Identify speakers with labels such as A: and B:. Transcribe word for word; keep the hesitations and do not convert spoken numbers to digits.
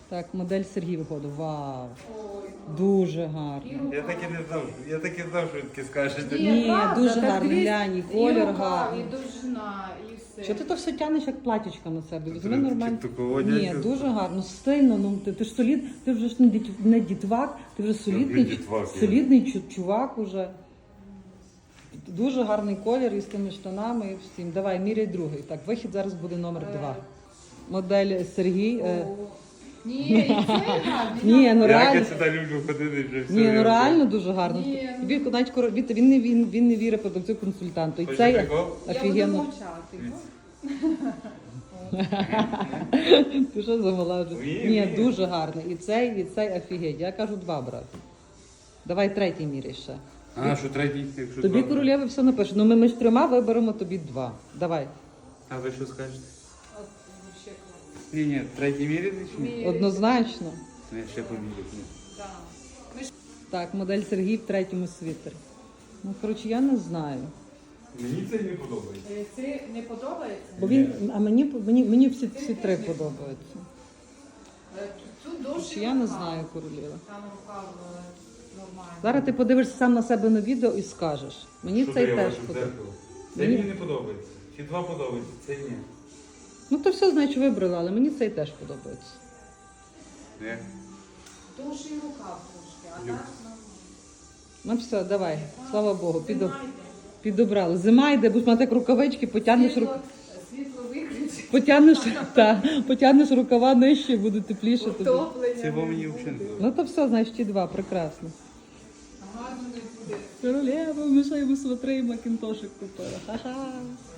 A: Так, модель Сергій виходить. Вау.
B: Ой.
A: Дуже гарно.
C: Я так і не знав, я так і знав, що ви таке скажете.
A: Ні,
B: правда,
A: дуже
B: так
A: гарно,
B: дивись,
A: глянь, і
B: і
A: колір
B: рука,
A: гарний.
B: І довжина, і все.
A: Що ти то все тянеш як платічка на себе? Візьми
C: Таке
A: нормально.
C: такого
A: Ні,
C: дядька.
A: дуже гарно, стильно. Ну ти, ти ж солід, ти вже ж не діт- не дітвак, ти вже солідний,
C: дітвак я.
A: солідний чу- чувак уже. Дуже гарний колір із тими штанами і всім. Давай, міряй другий. Так, вихід зараз буде номер два. Модель Сергій. е,
B: О. Ні, і це гарно.
A: Ні, ну
C: Я
A: реально.
C: як сюди люблю ходити вже все.
A: Ні, ну реально дуже гарно.
B: Ні, ну.
A: Тобі навіть коро- від- він не він, він не вірить продавцю консультанту. І
C: Хочеш
A: цей
C: прикол?
B: Я буду
A: офігенно.
B: мовчати.
A: Ти що замала вже?
C: Ні,
A: Ні,
C: ні.
A: дуже гарно. І цей, і цей офігеть. Я кажу два брати. Давай третій міряй ще.
C: А, що третій, якщо
A: Тобі
C: два?
A: королеви все напише. Ну ми між трьома виберемо тобі два. Давай.
C: А ви що скажете?
B: От, вообще клас.
C: Ні, ні, третій міряти чи ні?
B: Міряй.
A: Однозначно.
C: Я ще поміряю. ні.
B: Да. Ми ж-
A: Так, модель Сергій в третьому світері. Ну, коротше, я не знаю.
C: Мені це не подобається.
B: Е, Це не подобається?
A: Бо він, а мені, мені, мені всі, всі три подобаються.
B: Е, Тут
A: Коротше,
B: довше
A: я не
B: рука.
A: знаю королева.
B: Там рука е, нормальна.
A: Зараз ти подивишся сам на себе на відео і скажеш. Мені
C: Що
A: цей
C: я
A: теж
C: бачу в
A: подобається.
C: дзеркало? Це
A: Мені-
C: мені не подобається. Ці два подобаються, це ні.
A: Ну то все, значить, вибрала, але мені цей теж подобається.
C: Ні.
B: Довше і рука трошки, а
C: Люк.
B: так нормально.
A: Ну все, давай, слава Богу, підо...
B: Знімайте.
A: підобрали. Зима йде, будеш мати як рукавички, потягнеш, рук...
B: Світло, світло виключить.
A: потягнеш, та, потягнеш рукава нижче, буде тепліше тобі.
B: Утоплення.
C: Це во
B: не
C: мені
B: буде.
C: взагалі не подобається.
A: Ну то все, значить, ті два, прекрасно.
B: Гарно не буде.
A: Королева, ми ще йому сватри і макінтошик купила. Ха-ха.